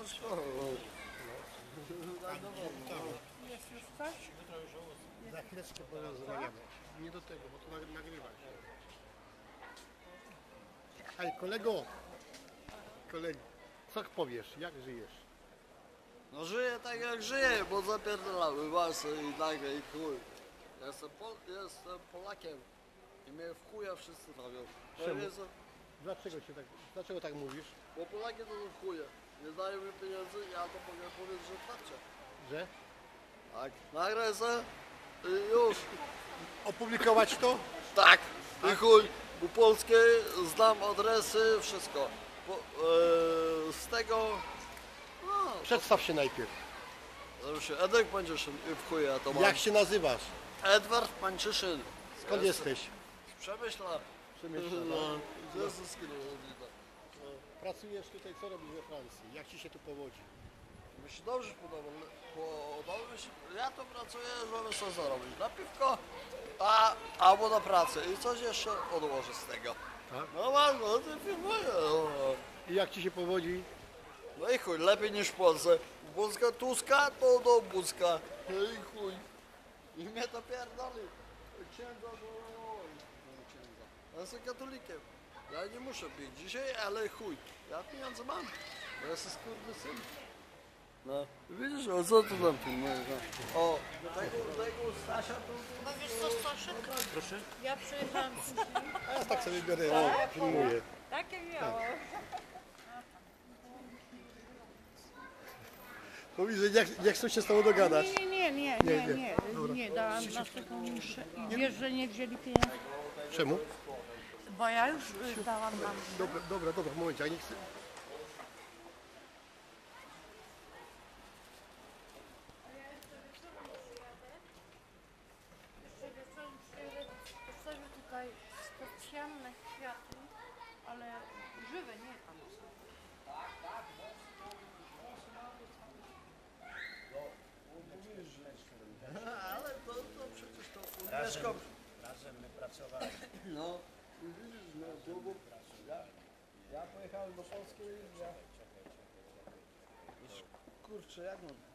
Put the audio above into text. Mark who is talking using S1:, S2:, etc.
S1: wszystko.
S2: Jest już coś?
S3: Za chwileczkę porozmawiamy. Nie do tego, bo to nagrywa się. Hej, kolego, co powiesz, jak żyjesz?
S1: No żyję tak jak żyję, bo zapierdalamy masę i nagle i chuj. Jestem Polakiem i mnie w chuja wszyscy robią.
S3: Czemu? Dlaczego tak mówisz?
S1: Bo Polaki to są chuje. Nie dają mi pieniędzy, ja to mogę powiedzieć, że tarczę.
S3: Że?
S1: Tak, nagraj se i już.
S3: Opublikować to?
S1: Tak, i chuj. Bo polskie znam adresy, wszystko. Z tego... No,
S3: Przedstaw się najpierw.
S1: to się Edek Pańczyszyn i w chuja to mam.
S3: Jak się nazywasz?
S1: Edward Pańczyszyn.
S3: Skąd jesteś?
S1: Z Przemyśla.
S3: Przemyśla,
S1: No,
S3: tak?
S1: ze Zyskinu.
S3: Pracujesz tutaj, co robisz we Francji? Jak ci się tu powodzi?
S1: Mi się dobrze podoba. Mi się, ja tu pracuję, żeby sobie zarobić na piwko, albo na pracę i coś jeszcze odłożę z tego.
S3: Tak?
S1: No mam, no to filmuję. No.
S3: I jak ci się powodzi?
S1: No i chuj, lepiej niż w Polsce. Polska Tuska to do Buzka. No i chuj. I mnie to pierdoli. Księdza to... księdza. Ja jestem katolikiem. Ja nie muszę pić dzisiaj, ale chuj. Ja pieniądze mam. Bo ja jestem skurwysyn. No. Widzisz, o co tu tam filmujesz? No. O, tego Stasia to...
S2: No wiesz co, Staszek?
S3: Proszę?
S2: Ja przyjechałam później.
S3: A ja tak sobie biorę, no, filmuję.
S2: Takie miało.
S3: Mówi, że nie chcą się z tobą dogadać.
S2: Nie, dałam następną muszę. I wiesz, że nie wzięli pieniędzy?
S3: Czemu?
S2: Bo ja już dałam mam.
S3: Dobra, w momencie, ja nie chcę.
S2: Postawię tutaj specjalne kwiaty, ale żywe, nie tam.
S1: Ale to przecież to
S4: Razem my pracowali.
S1: No, i widzisz, no, długo... Ja pojechałem do Polski i ja... Kurczę, jak mam